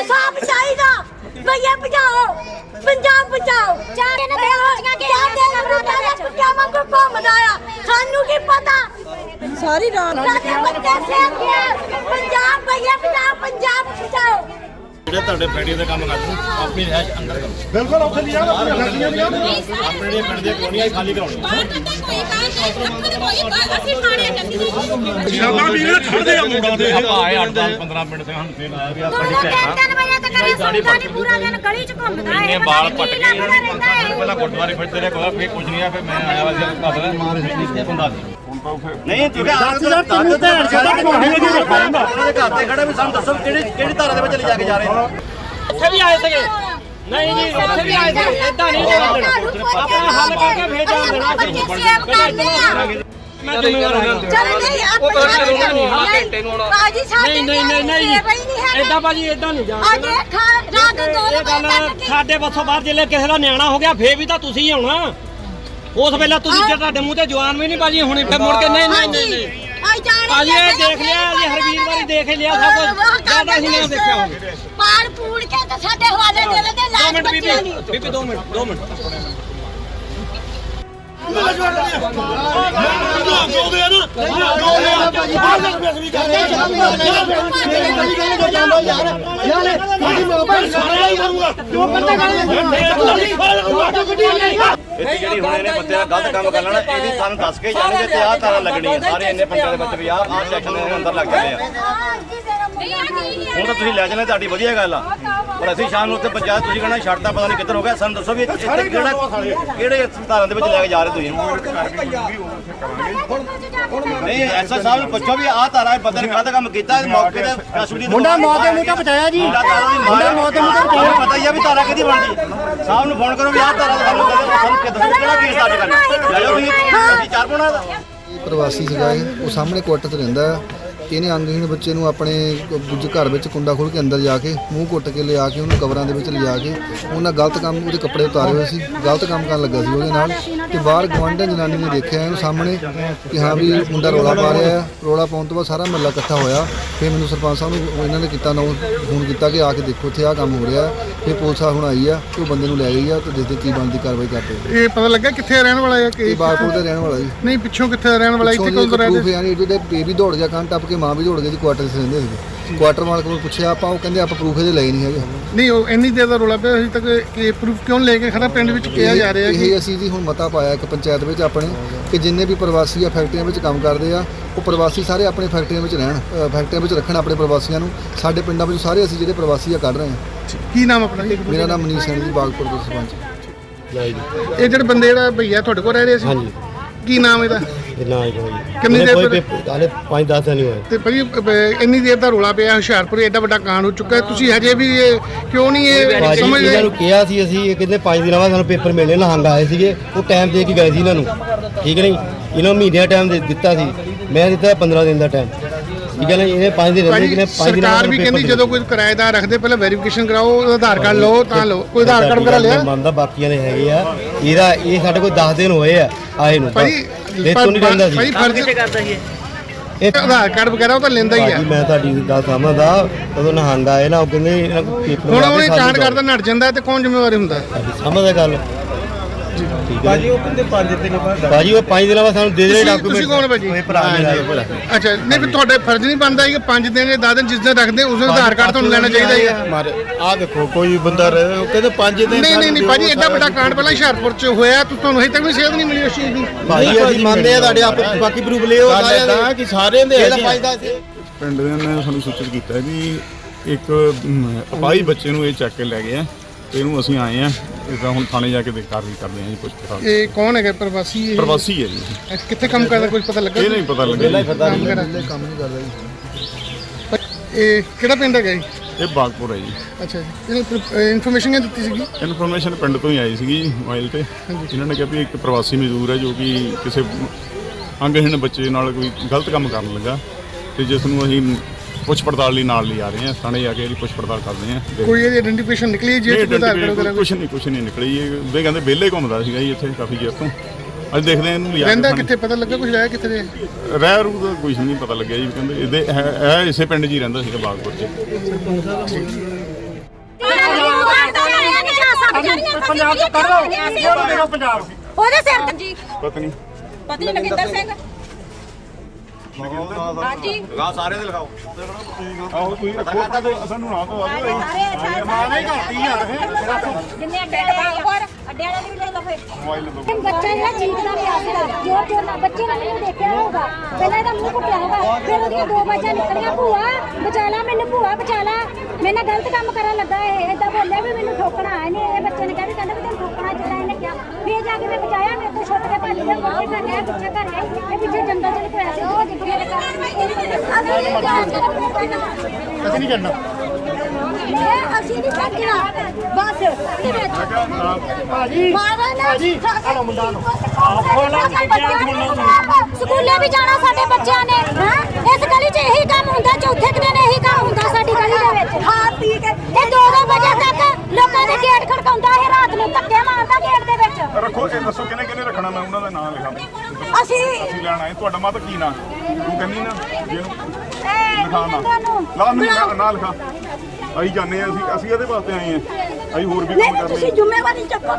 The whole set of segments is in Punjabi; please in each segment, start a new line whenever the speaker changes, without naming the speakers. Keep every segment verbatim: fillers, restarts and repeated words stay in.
इंसाफ चाहिए भैया बचाओ पंजाब बचाओ सानू की पता सारी रात पंजाब भैया बचाओ पंजाब बचाओ
ਜਿਹੜੇ ਤੁਹਾਡੇ ਫੈਕਟਰੀ ਦਾ ਕੰਮ ਕਰਦੇ ਆਪਣੀ ਰਹਿਸ਼ ਅੰਦਰ ਕਰੋ
ਬਿਲਕੁਲ ਉੱਥੇ ਨਹੀਂ ਜਾਣਾ ਆਪਣੀ ਗੱਡੀਆਂ ਨਹੀਂ
ਆਪਣੇ ਜਿਹੜੇ ਪਿੰਡ ਦੀਆਂ ਕਲੋਨੀਆਂ ਖਾਲੀ ਕਰਾਉਣੀਆਂ
ਸ਼ਾਬਾਸ਼ ਵੀਰ ਖੜਦੇ ਆ ਮੁੰਡਾ ਦੇ
ਆਏ ਅੱਠ ਦਸ ਪੰਦਰਾਂ ਮਿੰਟ ਸੇ ਹੁਣ ਫੇਰ ਆਇਆ ਵੀ ਆ ਸਾਡੀ ਭੈਣ
ਪੂਰਾ ਦਿਨ ਗਲੀ ਚ ਘੁੰਮਦਾ ਹੈ
ਇਹਨੇ ਬਾਲ ਪੱਟ ਕੇ ਪਹਿਲਾਂ ਗੁਰਦੁਆਰੇ ਫਿਰਦੇ ਰਹੇ ਕੋਈ ਫੇਰ ਕੁਝ ਨਹੀਂ ਆ ਫਿਰ ਮੈਂ ਆਇਆ ਵਾ ਜਦ ਘਰ ਮਾਰ ਇੱਥੇ ਬੰਦਾ ਸੀ
ਨਹੀਂ ਤੁਸੀਂ ਆਪ ਦਾ ਤੈਨੂੰ ਭੈਣ ਚੋਦ ਘਮਾਉਣੀ ਲੱਗੀ ਰੱਖਾ ਹੁੰਦਾ ਉਹਦੇ ਘਰ ਤੇ ਖੜੇ ਵੀ ਸਾਨੂੰ ਦੱਸੋ ਕਿਹੜੀ ਕਿਹੜੀ ਧਾਰਾ ਦੇ ਵਿੱਚ ਲੈ ਜਾ ਕੇ ਜਾ ਰਹੇ ਨੇ
ਇੱਥੇ ਵੀ ਆਏ ਸੀਗੇ ਨਹੀਂ ਜੀ ਇੱਥੇ ਵੀ ਆਏ ਸੀ ਇਦਾਂ ਨਹੀਂ ਜਾਣਾ ਆਪਣਾ ਹੱਲ ਕਰਕੇ ਫੇਰ ਜਾਣ ਦੇਣਾ ਮੈਂ ਜ਼ਿੰਮੇਵਾਰ ਹਾਂ
ਚਲ ਨਹੀਂ
ਉਹ ਕਰਕੇ ਰੋਣਾ ਨਹੀਂ ਹਾਂ ਘੰਟੇ ਨੂੰ ਆਉਣਾ
ਬਾਜੀ ਸਾਡੇ
ਨਹੀਂ ਨਹੀਂ ਨਹੀਂ ਇਦਾਂ ਬਾਜੀ ਇਦਾਂ ਨਹੀਂ ਜਾਣਾ
ਅੱਜ ਰਾਤ ਦੋ
ਇਹ ਗੱਲ ਸਾਡੇ ਵੱਸੋਂ ਬਾਹਰ ਜਿਲੇ ਕਿਸੇ ਦਾ ਨਿਆਣਾ ਹੋ ਗਿਆ ਫੇਰ ਵੀ ਤਾਂ ਤੁਸੀਂ ਆਉਣਾ ਉਸ ਵੇਲੇ ਤੁਸੀਂ ਜੇ ਤੁਹਾਡੇ ਮੂੰਹ ਤੇ ਜਵਾਨ ਵੀ ਨਹੀਂ ਬਾਜੀ ਹੁਣੀ ਫਿਰ ਮੁੜ ਕੇ ਨਹੀਂ ਨਹੀਂ ਨਹੀਂ ਅੱਜ ਇਹ ਦੇਖ ਲਿਆ ਜੀ ਹਰਵੀਰ ਵਾਰੀ ਦੇਖ ਲਿਆ ਸਭ ਕੁਝ ਜ਼ਿਆਦਾ ਹੀ ਨਹੀਂ ਦੇਖਿਆ ਹੋਵੇ
ਪਾੜ ਪੂੜ ਕੇ ਤਾਂ ਸਾਡੇ ਹਵਾਲੇ ਦੇ ਦੇ
ਦੋ
ਲਾਜ
ਮਿੰਟ
ਬੱਚਿਆਂ
ਬੀਬੀ
ਨੂੰ
ਬੀਬੀ ਦੋ ਮਿੰਟ ਦੋ ਮਿੰਟ
ਇੱਥੇ ਜਿਹੜੀ ਹੁਣ ਇਹਨੇ ਬੰਦੇ ਦਾ ਗਲਤ ਕੰਮ ਕਰ ਲੈਣਾ ਇਹਦੀ ਸਾਨੂੰ ਦੱਸ ਕੇ ਜਾਣਗੇ ਤੇ ਆਹ ਤਾਰਾਂ ਲੱਗਣੀ ਹੈ ਸਾਰੇ ਇੰਨੇ ਬੰਦਿਆਂ ਦੇ ਵਿੱਚ ਵੀ ਆਹ ਆਹ ਸੈਕਸ਼ਨ ਦੇ ਅੰਦਰ ਲੱਗ ਜਾਂਦੇ ਆ ਹੁਣ ਤਾਂ ਤੁਸੀਂ ਲੈ ਜਾਣਾ ਤੁਹਾਡੀ ਵਧੀਆ ਗੱਲ ਆ ਪਰ ਅਸੀਂ ਸ਼ਾਮ ਨੂੰ ਉੱਥੇ ਪੰਚਾਇਤ ਤੁਸੀਂ ਕਹਿਣਾ ਛੱਡਤਾ ਪਤਾ ਨਹੀਂ ਕਿੱਧਰ ਹੋ ਗਿਆ ਸਾਨੂੰ ਦੱਸੋ ਵੀ ਇੱਥੇ ਕਿਹੜਾ ਕਿਹੜੇ ਤਾਰਾਂ ਦੇ ਵਿੱਚ ਲੈ ਕੇ ਜਾ ਰਹੇ ਤੁਸੀਂ ਨਹੀਂ ਐਸਾ ਸਾਹਿਬ ਨੂੰ ਪੁੱਛੋ ਵੀ ਆਹ ਤਾਰਾ ਬੰਦੇ ਨੇ ਕਾਹਦਾ ਕੰਮ ਕੀਤਾ ਮੌਕੇ ਤੇ ਕਸੂਰੀ ਮੁੰਡਾ ਮੌਤ ਦੇ ਮੂੰਹ ਤੇ ਬਚਾਇਆ ਜੀ ਮੁੰਡਾ ਮੌਤ ਦੇ ਮੂੰਹ ਤੇ ਬਚਾਇਆ ਪਤਾ ਹੀ ਆ ਵੀ ਤਾਰਾ ਕਿਹਦੀ ਬਣਦੀ ਸਾਹਿਬ ਨੂੰ ਫੋਨ ਕਰੋ ਵੀ ਆਹ ਤਾਰਾ ਸਾਨੂੰ ਸਾਨੂੰ ਕਿੱਦਾਂ ਕਿਹੜਾ ਕੇਸ ਦਰਜ ਕਰਨਾ ਲੈ ਜਾਓ ਵੀ ਅਸੀਂ ਚਾਰ ਪਾਉਣਾ ਦਾ
ਇਹ ਪ੍ਰਵਾਸੀ ਸੀਗਾ ਇਹ ਉਹ ਸਾਹਮਣੇ ਕੁਆਟਰ 'ਚ ਰਹਿੰਦਾ ਹੈ। ਇਹਨੇ ਅੰਗਹੀਣ ਬੱਚੇ ਨੂੰ ਆਪਣੇ ਦੂਜੇ ਘਰ ਵਿੱਚ ਕੁੰਡਾ ਖੋਲ੍ਹ ਕੇ ਅੰਦਰ ਜਾ ਕੇ ਮੂੰਹ ਕੁੱਟ ਕੇ ਲਿਆ ਕੇ ਉਹਨੂੰ ਕਵਰਾਂ ਦੇ ਵਿੱਚ ਲਿਜਾ ਕੇ ਉਹਨਾਂ ਗਲਤ ਕੰਮ ਉਹਦੇ ਕੱਪੜੇ ਉਤਾਰੇ ਹੋਏ ਸੀ ਗਲਤ ਕੰਮ ਕਰਨ ਲੱਗਾ ਸੀ ਉਹਦੇ ਨਾਲ ਤੇ ਬਾਹਰ ਗੁਆਂਢਣ ਜਨਾਨੀ ਨੇ ਦੇਖਿਆ ਇਹਨੂੰ ਸਾਹਮਣੇ ਕਿ ਹਾਂ ਵੀ ਮੁੰਡਾ ਰੌਲਾ ਪਾ ਰਿਹਾ ਹੈ। ਰੌਲਾ ਪਾਉਣ ਤੋਂ ਬਾਅਦ ਸਾਰਾ ਮਹੱਲਾ ਇਕੱਠਾ ਹੋਇਆ ਫਿਰ ਮੈਨੂੰ ਸਰਪੰਚ ਸਾਹਿਬ ਨੂੰ ਇਹਨਾਂ ਨੇ ਕੀਤਾ ਨੋ ਫੋਨ ਕੀਤਾ ਕਿ ਆ ਕੇ ਦੇਖੋ ਇੱਥੇ ਆਹ ਕੰਮ ਹੋ ਰਿਹਾ ਫਿਰ ਪੁਲਿਸ ਆ ਹੁਣ ਆਈ ਆ ਤੇ ਉਹ ਬੰਦੇ ਨੂੰ ਲੈ ਗਈ ਆ ਤੇ ਦੇਖਦੇ ਕੀ ਬਣਦੀ ਕਾਰਵਾਈ ਕਰਦੇ।
ਇਹ ਪਤਾ ਲੱਗਾ ਕਿੱਥੇ ਰਹਿਣ ਵਾਲਾ ਹੈ ਕਿ
ਇਹ ਬਾਗਪੁਰ ਦਾ ਰਹਿਣ ਵਾਲਾ ਜੀ
ਨਹੀਂ ਪਿੱਛੋਂ ਕਿੱਥੇ ਰਹਿਣ ਵਾਲਾ ਇੱਥੇ ਕੋਲ ਰਹਿੰਦੇ
ਯਾਨੀ ਇਹਦੇ ਬੇਬੀ ਦੌੜ ਗਿਆ ਕੰਨ ਟੱਪ ਕੇ ਮਾਂ ਵੀ ਦੌੜ ਗਈ ਜੀ ਕੁਆਟਰ 'ਚ ਰਹਿੰਦੇ ਸੀਗੇ ਕੁਆਟਰ ਮਾਲਕ ਕੋਲ ਪੁੱਛਿਆ ਆਪਾਂ ਉਹ ਕਹਿੰਦੇ ਆਪਾਂ ਪ੍ਰੂਫ ਇਹਦੇ ਲਏ ਨਹੀਂ ਹੈਗੇ
ਨਹੀਂ ਉਹ ਇੰਨੀ ਦੇਰ ਦਾ ਰੌਲਾ ਪਿਆ ਅਜੇ ਤੱਕ ਕਿ ਪ੍ਰੂਫ ਕਿਉਂ ਲੈ ਕੇ ਖੜਾ ਪਿੰਡ ਵਿੱਚ ਕਿਹਾ ਜਾ ਰਿਹਾ
ਇਹ ਅਸੀਂ ਜੀ ਹੁਣ ਮਤਾ ਪਾਇਆ ਇੱਕ ਪੰਚਾਇਤ ਵਿੱਚ ਆਪਣੇ ਕਿ ਜਿੰਨੇ ਵੀ ਪ੍ਰਵਾਸੀ ਆ ਫੈਕਟਰੀਆਂ ਵਿੱਚ ਕੰਮ ਕਰਦੇ ਆ ਉਹ ਪ੍ਰਵਾਸੀ ਸਾਰੇ ਆਪਣੇ ਫੈਕਟਰੀਆਂ ਵਿੱਚ ਰਹਿਣ ਫੈਕਟਰੀਆਂ ਵਿੱਚ ਰੱਖਣ ਆਪਣੇ ਪ੍ਰਵਾਸੀਆਂ ਨੂੰ ਸਾਡੇ ਪਿੰਡਾਂ ਵਿੱਚ ਸਾਰੇ ਅਸੀਂ ਜਿਹੜੇ ਪ੍ਰਵਾਸੀ ਆ ਕੱਢ ਰਹੇ ਹਾਂ।
ਕੀ ਨਾਮ ਆਪਣਾ
ਮੇਰਾ ਨਾਮ ਮਨੀਸ਼ ਸਿੰਘ ਜੀ ਬਾਗਪੁਰ ਦੇ ਸਰਪੰਚ।
ਇਹ ਜਿਹੜੇ ਬੰਦੇ ਜਿਹੜਾ ਭਈਆ ਤੁਹਾਡੇ ਕੋਲ ਰਹਿ ਰਹੇ ਸੀ
ਹਾਂਜੀ
ਕੀ ਨਾਮ ਇਹਦਾ
ਨਾ ਹੀ
ਕਿੰਨੀ ਦੇਰ
ਕੋਈ ਹਾਲੇ ਪੰਜ ਦਸ ਦਿਨ ਹੀ ਹੋਏ
ਤੇ ਭਾਈ ਇੰਨੀ ਦੇਰ ਦਾ ਰੌਲਾ ਪਿਆ ਹੁਸ਼ਿਆਰਪੁਰ ਐਡਾ ਵੱਡਾ ਕਾਂਡ ਹੋ ਚੁੱਕਾ ਤੁਸੀਂ ਹਜੇ ਵੀ ਇਹ ਕਿਉਂ ਨਹੀਂ ਇਹ ਸਮਝ
ਇਹਨਾਂ ਨੂੰ ਕਿਹਾ ਸੀ ਅਸੀਂ ਇਹ ਕਹਿੰਦੇ ਪੰਜ ਦਿਨਾਂ ਬਾਅਦ ਸਾਨੂੰ ਪੇਪਰ ਮਿਲਣੇ ਨਹੰਗ ਆਏ ਸੀਗੇ ਉਹ ਟਾਈਮ ਦੇ ਕੇ ਗਏ ਸੀ ਇਹਨਾਂ ਨੂੰ ਠੀਕ ਨਹੀਂ ਇਹਨਾਂ ਨੂੰ ਮਹੀਨੇ ਦਾ ਟਾਈਮ ਦੇ ਦਿੱਤਾ ਸੀ ਮੈਂ ਦਿੱਤਾ ਪੰਦਰਾਂ ਦਿਨ ਦਾ ਟਾਈਮ ਠੀਕ ਹੈ ਨਾ ਇਹਨੇ ਪੰਜ ਦਿਨ ਰਹਿੰਦੇ ਕਿਨੇ ਪੰਜ ਦਿਨ
ਸਰਕਾਰ ਵੀ ਕਹਿੰਦੀ ਜਦੋਂ ਕੋਈ ਕਿਰਾਏਦਾਰ ਰੱਖਦੇ ਪਹਿਲਾਂ ਵੈਰੀਫਿਕੇਸ਼ਨ ਕਰਾਓ ਆਧਾਰ ਕਾਰਡ ਲਓ ਤਾਂ ਲਓ ਕੋਈ ਆਧਾਰ ਕਾਰਡ ਵਗੈਰਾ ਲਿਆ
ਮੰਨਦਾ ਬਾਕੀਆਂ ਦੇ ਹੈਗੇ ਆ ਇਹਦਾ ਇਹ ਸਾਡੇ ਕੋਲ ਦਸ ਦਿਨ ਹੋਏ ਆ ਆਏ ਨੂੰ
ਭਾਈ
ਇਹ ਤੋਂ ਨਹੀਂ ਰਹਿੰਦਾ ਸੀ
ਭਾਈ ਫਰਜ਼ ਕਰਦਾ ਸੀ ਇਹ ਆਧਾਰ ਕਾਰਡ ਵਗੈਰਾ ਉਹ ਤਾਂ ਲੈਂਦਾ ਹੀ ਆ
ਮੈਂ ਤੁਹਾਡੀ ਗੱਲ ਸਮਝਦਾ ਉਦੋਂ ਨਹੰਗ ਆਏ ਨਾ ਉਹ ਕਹਿੰਦੇ ਇਹਨਾਂ ਨੂੰ ਪੇਪਰ
ਹੁਣ ਉਹ ਕਾਂਡ ਕਰਦਾ ਨੱਟ ਜਾਂਦਾ ਤੇ ਕੌਣ ਜ਼ਿੰਮੇਵਾਰੀ ਹੁੰਦਾ
ਸਮਝਦਾ ਗੱਲ ਠੀਕ ਹੈ
ਬਾਜੀ ਉਹ ਕਹਿੰਦੇ ਪੰਜ ਦਿਨ ਬਾਅਦ
ਬਾਜੀ ਉਹ ਪੰਜ ਦਿਨਾਂ ਬਾਅਦ ਸਾਨੂੰ ਦੇ ਦੇ ਡਾਕੂਮੈਂਟ
ਤੁਸੀਂ ਕੌਣ ਭਾਜੀ
ਇਹ ਭਰਾ ਮੇਰਾ
ਅੱਛਾ ਨਹੀਂ ਵੀ ਤੁਹਾਡੇ ਫਰਜ਼ ਨਹੀਂ ਬਣਦਾ ਕਿ ਪੰਜ ਦਿਨ ਜਾਂ ਦਸ ਦਿਨ ਜਿਸ ਦਿਨ ਰੱਖਦੇ ਉਸ ਦਿਨ ਆਧਾਰ ਕਾਰਡ ਤੁਹਾਨੂੰ ਲੈਣਾ ਚਾਹੀਦਾ ਹੈ
ਮਾਰੇ ਆ ਦੇਖੋ ਕੋਈ ਬੰਦਾ ਰਹੇ ਉਹ ਕਹਿੰਦੇ ਪੰਜ ਦਿਨ
ਨਹੀਂ ਨਹੀਂ ਨਹੀਂ ਭਾਜੀ ਐਡਾ ਵੱਡਾ ਕਾਂਡ ਪਹਿਲਾਂ ਹੁਸ਼ਿਆਰਪੁਰ ਚ ਹੋਇਆ ਤੁਹਾਨੂੰ ਹਜੇ ਤੱਕ ਵੀ ਸੇਧ ਨਹੀਂ ਮਿਲੀ ਉਸ ਚੀਜ਼ ਦੀ
ਭਾਈ ਅਸੀਂ ਮੰਨਦੇ ਆ ਤੁਹਾਡੇ ਆਪ ਬਾਕੀ ਪ੍ਰੂਫ ਲਿਓ
ਇਦਾਂ ਕਿ ਸਾਰਿਆਂ ਦੇ
ਇਹਦਾ ਪੰਜ ਦਸ
ਪਿੰਡ ਦੇ ਨੇ ਸਾਨੂੰ ਸੂਚਿਤ ਕੀਤਾ ਵੀ ਇੱਕ ਅਪਾਹਜ ਬੱਚੇ ਨੂੰ ਇਹ ਚੱਕ ਕੇ ਲੈ ਗਏ ਆ ਤੇ ਇਹਨੂੰ ਅਸੀਂ ਆਏ ਆ ਇਦਾਂ ਹੁਣ ਥਾਣੇ ਜਾ ਕੇ ਕਾਰਵਾਈ ਕਰਦੇ ਆ ਜੀ ਪੁੱਛ ਕੇ।
ਇਹ ਕੌਣ ਹੈਗਾ ਪ੍ਰਵਾਸੀ ਇਹ
ਪ੍ਰਵਾਸੀ ਹੈ ਜੀ
ਇਹ ਕਿੱਥੇ ਕੰਮ ਕਰਦਾ ਕੁਝ ਪਤਾ ਲੱਗਾ
ਇਹ ਨਹੀਂ ਪਤਾ ਲੱਗਿਆ ਜੀ।
ਕੰਮ ਕਰਦਾ
ਕੰਮ ਨਹੀਂ ਕਰਦਾ ਜੀ।
ਇਹ ਕਿਹੜਾ ਪਿੰਡ ਹੈਗਾ ਜੀ
ਇਹ ਬਾਗਪੁਰ ਹੈ ਜੀ।
ਅੱਛਾ ਜੀ ਇਹਨੂੰ ਇਨਫੋਰਮੇਸ਼ਨ ਕਿਹਨੇ ਦਿੱਤੀ ਸੀਗੀ
ਇਨਫੋਰਮੇਸ਼ਨ ਪਿੰਡ ਤੋਂ ਹੀ ਆਈ ਸੀਗੀ ਜੀ ਮੋਬਾਈਲ ਤੇ ਇਹਨਾਂ ਨੇ ਕਿਹਾ ਵੀ ਇੱਕ ਪ੍ਰਵਾਸੀ ਮਜ਼ਦੂਰ ਹੈ ਜੋ ਕਿ ਕਿਸੇ ਅੰਗਹੀਣ ਬੱਚੇ ਨਾਲ ਕੋਈ ਗਲਤ ਕੰਮ ਕਰਨ ਲੱਗਾ ਤੇ ਜਿਸ ਨੂੰ ਅਸੀਂ ਪੁੱਛ ਪੜਤਾਲ ਲਈ ਨਾਲ ਲਿਆ ਰਹੇ ਹਾਂ ਥਾਣੇ ਜਾ ਕੇ ਇਹਦੀ ਪੁੱਛ ਪੜਤਾਲ ਕਰਦੇ ਹਾਂ।
ਕੋਈ ਇਹਦੀ ਆਇਡੈਂਟੀਫਿਕੇਸ਼ਨ ਨਿਕਲੀ ਜੇ
ਕੁਛ ਨਹੀਂ ਕੁਛ ਨਹੀਂ ਨਿਕਲੀ ਇਹ ਉਹਦੇ ਕਹਿੰਦੇ ਵਿਹਲੇ ਘੁੰਮਦਾ ਸੀਗਾ ਜੀ ਇੱਥੇ ਕਾਫੀ ਚਿਰ ਤੋਂ ਅੱਜ ਦੇਖਦੇ ਹਾਂ ਇਹਨੂੰ ਲਿਆ
ਰਹਿੰਦਾ ਕਿੱਥੇ ਪਤਾ ਲੱਗਾ ਕੁਝ ਰਹਿ ਕਿੱਥੇ
ਰਹਿ ਰੂ ਦਾ ਕੁਝ ਨਹੀਂ ਪਤਾ ਲੱਗਿਆ ਜੀ ਕਹਿੰਦੇ ਇਹਦੇ ਇਹ ਇਸੇ ਪਿੰਡ 'ਚ ਹੀ ਰਹਿੰਦਾ ਸੀਗਾ ਬਾਗਪੁਰ 'ਚ।
ਕਲਾਸਾਂ ਵਿਚਾਰੀਆਂ ਪੰਜਾਬ ਤੋਂ ਕੱਢ ਲਓ ਪੰਜਾਬ ਉਹਦੇ ਸਿਰ ਤੇ ਜੀ
ਪਤਨੀ
ਪਤੀ ਲਖਿੰਦਰ ਸਿੰਘ ਹਾਂਜੀ
ਲਗਾਓ ਸਾਰੇ ਦੇ ਲਗਾਓ
ਆਹੋ ਤੁਸੀਂ ਰੱਖੋ ਸਾਨੂੰ ਨਾ ਤੋਂ ਆਵੇ
ਮਾਂ ਨਹੀਂ ਘਾਟੀ ਯਾਰ ਜਿੰਨੇ ਅੱਡੇ ਹੋਰ ਅੱਡੇ ਵਾਲੇ ਵੀ ਲੈ ਲਓ ਫੇਰ
ਮੋਬਾਈਲ ਨੰਬਰ
ਬੱਚਾ ਜਿਹੜਾ ਚੀਕਦਾ ਪਿਆ ਸੀਗਾ ਜੋਰ ਜੋਰ ਨਾਲ ਬੱਚੇ ਨੇ ਮੈਨੂੰ ਦੇਖਿਆ ਹੋਊਗਾ ਪਹਿਲਾਂ ਇਹਦਾ ਮੂੰਹ ਘੁੱਟਿਆ ਹੋਊਗਾ ਫਿਰ ਉਹਦੀਆਂ ਦੋ ਬਾਜਾਂ ਨਿਕਲੀਆਂ ਭੂਆ ਬਚਾ ਲਾ ਮੈਨੂੰ ਭੂਆ ਬਚਾ ਲਾ ਮੈਂ ਨਾ ਗਲਤ ਕੰਮ ਕਰਨ ਲੱਗਾ ਇਹ ਏਦਾਂ ਬੋਲਿਆ ਵੀ ਮੈਨੂੰ ਠੋਕਣਾ ਆਇਆ ਨਹੀਂ ਇਹ ਬੱਚੇ ਨੇ ਕਿਹਾ ਵੀ ਕਹਿੰਦਾ ਵੀ ਤੈਨੂੰ ਠੋਕਣਾ ਜਿਹੜਾ ਇਹਨੇ ਕਿਹਾ ਫਿਰ ਜਾ ਕੇ ਮੈਂ ਬਚਾਇਆ ਮੇਰੇ ਤੋਂ ਛੁੱਟ ਕੇ ਭੱਜ ਗਿਆ ਮੋਟੇ ਘਰ ਆਇਆ ਪਿੱਛੇ ਘਰ ਆਇਆ ਇਹ ਪਿੱਛੇ ਜੰਗਲ ਚ ਲੁਕਿਆ ਸੀ ਉਹ ਜਿੱਥੇ ਮੇਰੇ ਘਰ
ਅਸੀਂ ਨਹੀਂ ਕਰਨਾ
ਇਹ ਅਸੀਂ ਨਹੀਂ ਛੱਡਣਾ ਬਸ ਇਹਦੇ ਵਿੱਚ ਭਾਜੀ ਮਾਰਾ ਨਾ ਆਲੋ ਮੁੰਡਾ ਨੂੰ ਸਕੂਲੇ ਵੀ ਜਾਣਾ ਸਾਡੇ ਬੱਚਿਆਂ ਨੇ ਹਾਂ ਇਸ ਗਲੀ 'ਚ ਇਹੀ ਕੰਮ ਹੁੰਦਾ ਚੌਥੇ ਕੁ ਦਿਨ ਇਹੀ ਕੰਮ ਹੁੰਦਾ ਸਾਡੀ ਗਲੀ ਦੇ ਵਿੱਚ ਖਾ ਪੀ ਕੇ ਇਹ ਦੋ ਦੋ ਵਜੇ ਤੱਕ ਲੋਕਾਂ ਦੇ ਗੇਟ ਖੜਕਾਉਂਦਾ ਹੈ ਰਾਤ ਨੂੰ ਧੱਕੇ ਮਾਰਦਾ ਗੇਟ ਦੇ ਵਿੱਚ
ਰੱਖੋ ਇਹ ਦੱਸੋ ਕਿਹਨੇ ਕਿਹਨੇ ਰੱਖਣਾ ਮੈਂ ਉਹਨਾਂ ਦਾ ਨਾਮ ਲਿਖਾਂ
ਅਸੀਂ
ਅਸੀਂ ਲੈਣਾ ਹੈ ਤੁਹਾਡਾ ਮਾਤਾ ਕੀ ਨਾਂ ਤੂੰ ਕਹਿੰਦੀ ਨਾ ਜਿਹਨੂੰ
ਇਹ
ਲਿਖਾ ਨਾ ਲਾ ਨਹੀਂ ਨਾ ਲਿਖਾ ਅਸੀਂ ਜਾਣੇ ਆ ਅਸੀਂ ਅਸੀਂ ਇਹਦੇ ਵਾਸਤੇ ਆਏ ਆ ਅਸੀਂ ਹੋਰ ਵੀ ਕੰਮ
ਨਹੀਂ
ਕਰਨੇ
ਤੁਸੀਂ ਜ਼ਿੰਮੇਵਾਰੀ ਚੱਕੋ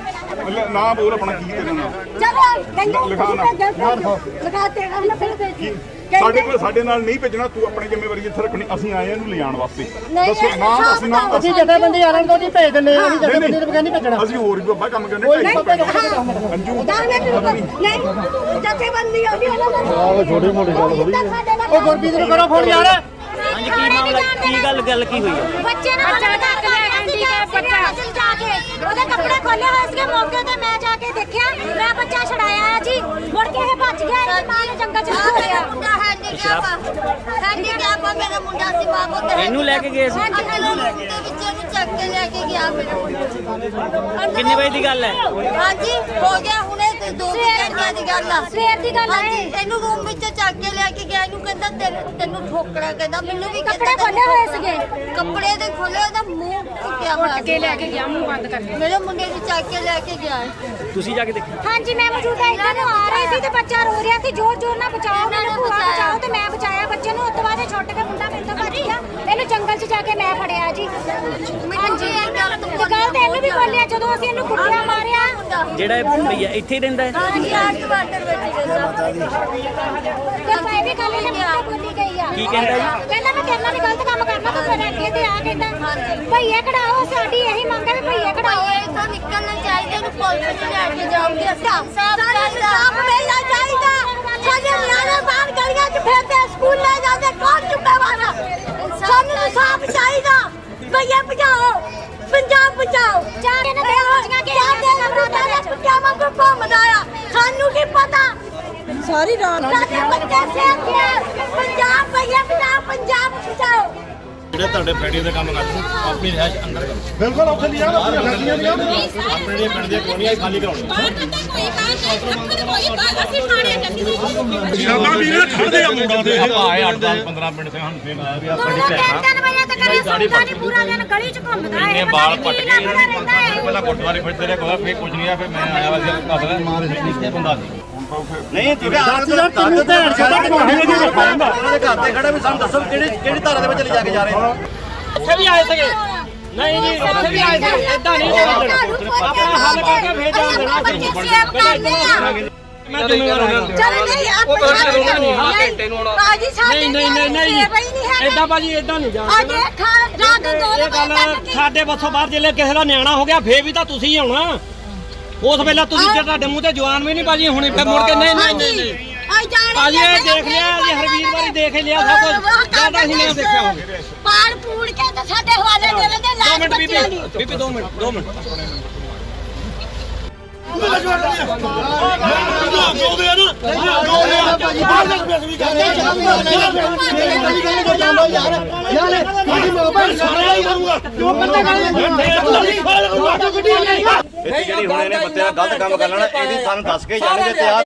ਨਾ ਬੋਲ ਆਪਣਾ ਕੀ ਤੇਰਾ ਨਾਮ
ਚਲੋ ਕਹਿੰਦੇ
ਲਿਖਾ ਨਾ।
ਲਗਾ ਤੇ ਨਾ ਫਿਰ
ਕੀ ਸਾਡੇ ਕੋਲ ਸਾਡੇ ਨਾਲ ਨਹੀਂ ਭੇਜਣਾ ਤੂੰ ਆਪਣੀ ਜ਼ਿੰਮੇਵਾਰੀ ਇੱਥੇ ਰੱਖਣੀ ਅਸੀਂ ਆਏ ਆ ਇਹਨੂੰ ਲਿਜਾਣ ਵਾਸਤੇ
ਨਹੀਂ,
ਦੱਸੋ
ਇਹ
ਨਾਮ
ਸਾਫ਼
ਅਸੀਂ ਨਾਮ
ਅਸੀਂ ਜਥੇਬੰਦੀ ਵਾਲਿਆਂ ਨੂੰ ਉਹਦੀ ਭੇਜ ਦਿੰਦੇ ਆ ਅਸੀਂ ਜਥੇਬੰਦੀ ਨੂੰ ਨਹੀਂ ਭੇਜਣਾ
ਅਸੀਂ ਹੋਰ ਵੀ ਬਾਬਾ ਕੰਮ ਕਰਨੇ ਢਾਈ ਅੰਜੂ
ਦਾਣੇ ਤੇ ਨਹੀਂ ਜਥੇਬੰਦੀ ਆਉਂਦੀ ਉਹਨਾਂ ਦਾ
ਆਹ ਛੋਟੀ ਮੋਟੀ ਗੱਲ ਥੋੜੀ
ਉਹ
ਗੁਰਪ੍ਰੀਤ ਨੂੰ ਕਰੋ ਫੋਨ ਯਾਰ
ਹਾਂਜੀ ਕੀ ਮਾਮਲਾ ਕੀ ਗੱਲ ਗੱਲ ਕੀ ਹੋਈ ਹੈ
ਬੱਚੇ ਨੇ ਬੱਚਾ ਚੱਕ ਲਿਆ ਆਂਟੀ ਦਾ ਬੱਚਾ ਜਾ ਕੇ ਉਹਦੇ ਕੱਪੜੇ ਖੋਲੇ ਹੋਏ ਸੀਗੇ ਮੌਕੇ ਤੇ ਮੈਂ ਜਾ ਕੇ ਦੇਖਿਆ ਮੈਂ ਬੱਚਾ ਛਡਾਇਆ ਜੀ ਮੁੜ ਕੇ ਇਹ ਭੱਜ ਗਿਆ ਇਹਦੀ ਮਾਂ ਨੇ ਜੰਗਲ ਚ ਖੋਲਿਆ ਮੁੰਡਾ ਹੈਂਡੀਕੈਪ ਹੈਂਡੀਕੈਪ ਆ ਮੇਰਾ ਮੁੰਡਾ ਸੀ ਬਾਬੂ ਤੇ
ਇਹਨੂੰ ਲੈ ਕੇ ਗਏ ਸੀ
ਇਹਨੂੰ ਲੈ ਕੇ ਦੇ ਵਿੱਚ ਇਹਨੂੰ ਚੱਕ ਕੇ ਲੈ ਕੇ ਗਿਆ ਮੇਰਾ
ਕਿੰਨੇ ਵਜੇ ਦੀ ਗੱਲ ਹੈ
ਹਾਂਜੀ ਹੋ ਗਿਆ ਹੁਣੇ ਤੇ ਦੋ ਘੰਟਿਆਂ ਦੀ ਗੱਲ ਆ ਸਵੇਰ ਦੀ ਗੱਲ ਹੈ ਇਹਨੂੰ ਰੂਮ ਵਿੱਚ ਚੱਕ ਕੇ ਲੈ ਕੇ ਗਿਆ ਇਹਨੂੰ ਕਹਿੰਦਾ ਤੈਨੂੰ ਤੈਨੂੰ ਠੋਕਣਾ ਕਹਿੰਦਾ ਮੈਨੂੰ ਵੀ ਕੱਪੜੇ ਖੋਲੇ ਹੋਏ ਸੀਗੇ ਕੱਪੜੇ ਦੇ ਖੋਲੇ ਉਹਦਾ ਮੂੰਹ ਟੁੱਟਿਆ ਹੋਇਆ ਕੇ ਲੈ ਕੇ ਗਿਆ ਮੂੰਹ ਬੰਦ ਕਰਕੇ ਮੇਰੇ ਮੁੰਡੇ ਨੂੰ ਚੱਕ ਕੇ ਲੈ ਕੇ ਗਿਆ
ਤੁਸੀਂ ਜਾ ਕੇ ਦੇਖਿਆ
ਹਾਂਜੀ ਮੈਂ ਮੌਜੂਦਾ ਇੱਧਰ ਨੂੰ ਆ ਰਹੀ ਸੀ ਤੇ ਬੱਚਾ ਰੋ ਰਿਹਾ ਸੀ ਜ਼ੋਰ ਜ਼ੋਰ ਨਾਲ ਬਚਾਓ ਮੈਨੂੰ ਭੂਆ ਬਚਾਓ ਤੇ ਮੈਂ ਬਚਾਇਆ ਬੱਚੇ ਨੂੰ ਉਸ ਤੋਂ ਬਾਅਦ ਛੁੱਟ ਕੇ ਮੁੰਡਾ ਮੇਰੇ ਤੋਂ ਭੱਜ ਗਿਆ ਇਹਨੂੰ ਜੰਗਲ 'ਚ ਜਾ ਕੇ ਮੈਂ ਫੜਿਆ ਜੀ ਹਾਂਜੀ ਤੇ ਗੱਲ ਤੇ ਇਹਨੂੰ ਵੀ ਬੋਲਿਆ ਜਦੋਂ ਅਸੀਂ ਇਹਨੂੰ ਕੁੱਟਿਆ ਮਾਰਿਆ
ਜਿਹੜਾ ਇਹ ਭਈਆ ਇੱਥੇ ਹੀ ਰਹਿੰਦਾ ਹੈ
ਹਾਂਜੀ ਆਰਟ ਵਾਟਰ ਵਿੱਚ ਰਹਿੰਦਾ ਤੇ ਮੈਂ ਵੀ ਕੱਲ ਇਹਨੇ ਮੁੰਡੇ ਬੋਲੀ ਗਈ ਆ
ਕੀ ਕਹਿੰਦਾ ਜੀ
ਕਹਿੰਦਾ ਮੈਂ ਤੇਰੇ ਨਾਲ ਵੀ ਗਲਤ ਕੰਮ ਕਰਨਾ ਤੂੰ ਮੇਰੇ ਅੱਗੇ ਤੇ ਆ ਕਹਿੰਦਾ ਭਈਏ ਕਢਾਓ ਸਾਡੀ ਇਹੀ ਮੰਗ ਹੈ ਵੀ ਭਈਏ ਕਢਾਓ ਇੱਥੋਂ ਨਿਕਲਣਾ ਚਾਹੀਦਾ ਇਹਨੂੰ ਪੁਲਿਸ ਚ ਲੈ ਕੇ ਜਾਓਗੇ ਸਾਫ ਸਾਫ ਮਿਲਣਾ ਚਾਹੀਦਾ ਸਾਡੇ ਨਿਆਣੇ ਬਾਹਰ ਗਲੀਆਂ 'ਚ ਫਿਰਦੇ ਸਕੂਲ ਲੈ ਜਾਂਦੇ ਕੌਣ ਜ਼ਿੰਮੇਵਾਰ ਆ ਸਾਨੂੰ ਸਾਫ ਚਾਹੀਦਾ ਭਈਏ ਭਜਾਓ ਪੰਜਾਬ ਬਚਾਓ ਚਾਰ ਇਹਨਾਂ ਦੇ ਹੋਈਆਂ ਕਿ ਚਾਰ ਦੇ ਨੰਬਰ ਦਾ ਕੁੱਤਿਆਂ ਵਾਂਗੂ ਘੁੰਮਦਾ ਆ ਸਾਨੂੰ ਕੀ ਪਤਾ ਸਾਰੀ ਰਾਤ ਸਾਡੇ ਬੱਚੇ ਸੇਫ ਹੈ ਪੰਜਾਬ ਭਈਏ ਬਚਾਓ ਪੰਜਾਬ ਬਚਾਓ
ਜਿਹੜੇ ਤੁਹਾਡੇ ਫੈਕਟਰੀ ਦੇ ਕੰਮ ਕਰਦੇ ਆਪਣੀ ਰਿਹਾਇਸ਼ ਅੰਦਰ ਕਰੋ
ਬਿਲਕੁਲ ਉੱਥੇ ਲਿਆ ਆਪਣੀਆਂ ਫੈਕਟਰੀਆਂ ਦੀਆਂ
ਆਪਣੇ ਜਿਹੜੇ ਪਿੰਡ ਦੀਆਂ ਕਲੋਨੀਆਂ ਖਾਲੀ ਕਰਾਉਣੀਆਂ
ਸ਼ਰਾਬਾਂ ਵੀ ਨਾ ਖੜਦੇ ਆ ਮੁੰਡਾ ਦੇ ਆਪਾਂ ਆਏ ਅੱਠ ਦਸ ਪੰਦਰਾਂ ਮਿੰਟ ਤੇ ਸਾਨੂੰ ਫੇਰ ਆਇਆ ਵੀ ਆਪਣੀ ਭੈਣ
ਤਿੰਨ ਵਜੇ ਤੱਕ ਇਹ ਸੌਦਾ ਨਹੀਂ ਪੂਰਾ ਦਿਨ ਗਲੀ 'ਚ ਘੁੰਮਦਾ ਹੈ
ਨੇ ਬਾਲ ਪੱਟ ਕੇ ਪਹਿਲਾਂ ਗੁਰਦੁਆਰੇ ਫਿਰਦੇ ਰਹੇ ਕੋਲ ਫੇਰ ਕੁਝ ਨਹੀਂ ਆ ਫੇਰ ਮੈਂ ਆਇਆ ਵਾ ਸੀ ਘਰ ਦਾ ਮਾਰ ਸੀ ਬੰਦਾ ਸੀ
ਨਹੀਂ ਤੁਸੀਂ ਆਹ ਤੈਨੂੰ ਭੈਣ ਛੱਡ ਉਹਨਾਂ ਦੇ ਘਰ ਤੇ ਖੜਾ ਵੀ ਸਾਨੂੰ ਦੱਸੋ ਕਿਹੜੀ ਕਿਹੜੀ ਧਾਰਾ ਦੇ ਵਿੱਚ ਲੈ ਜਾ ਕੇ ਜਾ ਰਹੇ ਹੋ
ਇੱਥੇ ਵੀ ਆਏ ਸੀਗੇ ਨਹੀਂ ਜੀ ਇੱਥੇ ਵੀ ਆਏ ਸੀ ਇਦਾਂ ਨਹੀਂ ਚੱਲਣਾ ਆਪਣਾ ਹੱਲ ਕਰਕੇ ਭੇਜ ਦੇਣਾ
ਬੱਚੇ ਸੇਵ ਕਰਦੇ ਆ
ਮੈਂ ਜ਼ਿੰਮੇਵਾਰ ਹਾਂ
ਚਲ ਨਹੀਂ ਆਪਣੇ
ਹਾਂ ਘੰਟੇ ਨੂੰ ਆਉਣਾ
ਬਾਜੀ ਸਾਡੇ
ਨਹੀਂ ਨਹੀਂ ਨਹੀਂ ਨਹੀਂ ਇਦਾਂ ਬਾਜੀ ਇਦਾਂ ਨਹੀਂ ਜਾਣਾ
ਅੱਜ ਇਹ ਖਾ ਰਾਤ ਨੂੰ ਦੋ
ਇਹ ਗੱਲ
ਵਜੇ
ਸਾਡੇ ਬੱਸੋਂ ਬਾਹਰ ਜੇ ਕਿਸੇ ਦਾ ਨਿਆਣਾ ਹੋ ਗਿਆ ਫੇਰ ਵੀ ਤਾਂ ਤੁਸੀਂ ਹੀ ਆਉਣਾ ਉਸ ਵੇਲੇ ਤੁਸੀਂ ਜੇ ਤੁਹਾਡੇ ਮੂੰਹ ਤੇ ਜਵਾਨ ਵੀ ਨਹੀਂ ਬਾਜੀ ਹੁਣੀ ਫੇਰ ਮੁੜ ਕੇ ਨਹੀਂ ਨਹੀਂ ਨਹੀਂ ਨਹੀਂ
ਆਈ ਜਾਣੇ
ਬਾਜੀ ਇਹ ਦੇਖ ਲਿਆ ਜੀ ਹਰਵੀਰ ਵਾਰੀ ਦੇਖ ਲਿਆ ਸਭ ਕੁਝ ਜਿਆਦਾ ਹੀ ਨਹੀਂ ਦੇਖਿਆ ਹੁਣ
ਪਾੜ ਪੂੜ ਕੇ ਤੇ ਸਾਡੇ ਹਵਾਲੇ ਦੇ ਦੇ
ਦੋ
ਲਾਸ਼
ਮਿੰਟ
ਬੱਚਿਆਂ
ਬੀਬੀ
ਦੀ
ਬੀਬੀ ਦੋ ਮਿੰਟ ਦੋ ਮਿੰਟ
ਇੱਥੇ ਜਿਹੜੀ ਹੁਣ ਇਹਨੇ ਬੱਚੇ ਦਾ ਗਲਤ ਕੰਮ ਕਰ ਲੈਣਾ ਇਹਦੀ ਸਾਨੂੰ ਦੱਸ ਕੇ ਜਾਣਗੇ ਤੇ ਆ